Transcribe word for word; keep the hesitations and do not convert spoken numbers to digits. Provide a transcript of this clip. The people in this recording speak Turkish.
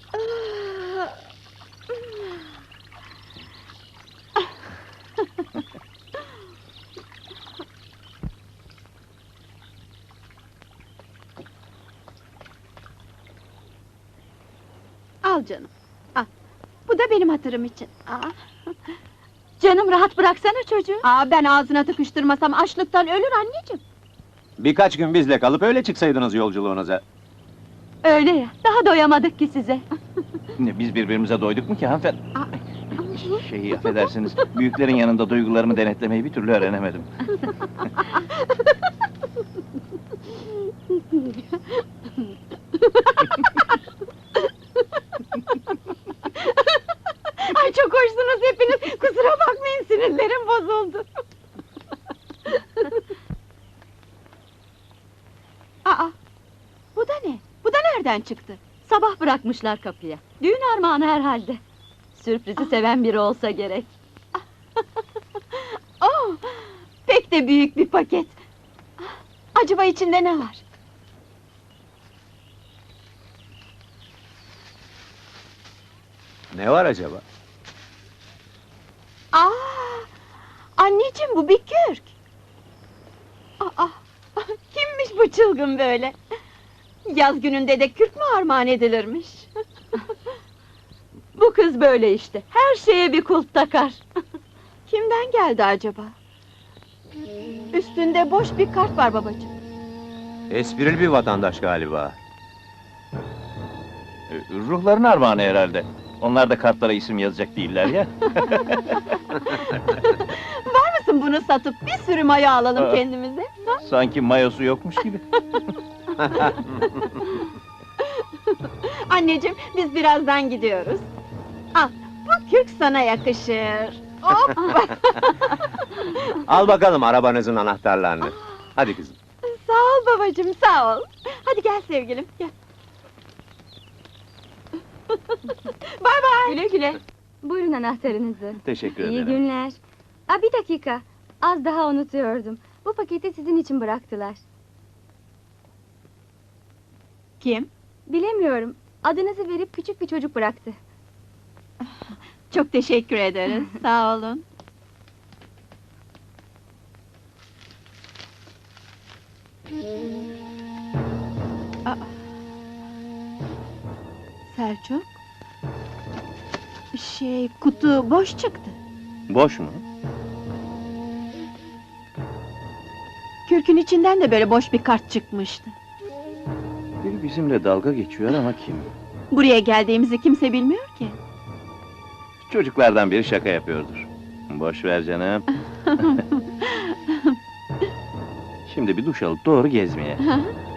Al canım, al. Bu da benim hatırım için. Aa. Canım rahat bıraksana çocuğu. Aa, ben ağzına tıkıştırmasam açlıktan ölür anneciğim. Birkaç gün bizle kalıp öyle çıksaydınız yolculuğunuza. Öyle ya, daha doyamadık ki size. Ne, biz birbirimize doyduk mu ki hanımefendi? Aa. Şeyi affedersiniz, büyüklerin yanında duygularımı denetlemeyi bir türlü öğrenemedim. Ay çok hoşsunuz hepiniz, kusura bakmayın sinirlerim bozuldu. Aa, bu da ne? Bu da nereden çıktı? Sabah bırakmışlar kapıya. Düğün armağanı herhalde. Sürprizi seven biri olsa gerek. Oh, pek de büyük bir paket. Acaba içinde ne var? Ne var acaba? Aa, anneciğim bu bir kürk. Aa, kimmiş bu çılgın böyle? Yaz gününde de kürk mü armağan edilirmiş? Bu kız böyle işte. Her şeye bir kulp takar. Kimden geldi acaba? Üstünde boş bir kart var babacığım. Esprili bir vatandaş galiba. Ee, Ruhların armağanı herhalde. Onlar da kartlara isim yazacak değiller ya. Var mısın bunu satıp bir sürü maya alalım Aa. kendimize? Ha? Sanki mayosu yokmuş gibi. Anneciğim, biz birazdan gidiyoruz. Al, bu kürk sana yakışır. Hop! Al bakalım arabanızın anahtarlarını. Hadi kızım. Sağ ol babacığım, sağ ol. Hadi gel sevgilim, gel. Bay bay! Güle güle. Buyurun anahtarınızı. Teşekkür İyi ederim. günler. Aa, bir dakika. Az daha unutuyordum. Bu paketi sizin için bıraktılar. Kim? Bilemiyorum. Adınızı verip küçük bir çocuk bıraktı. Çok teşekkür ederiz, sağ olun. Aa. Selçuk? Şey, kutu boş çıktı. Boş mu? Kürkün içinden de böyle boş bir kart çıkmıştı. Biri bizimle dalga geçiyor ama kim? Buraya geldiğimizi kimse bilmiyor ki. Çocuklardan biri şaka yapıyordur. Boş ver canım. Şimdi bir duş alıp doğru gezmeye. Hı hı.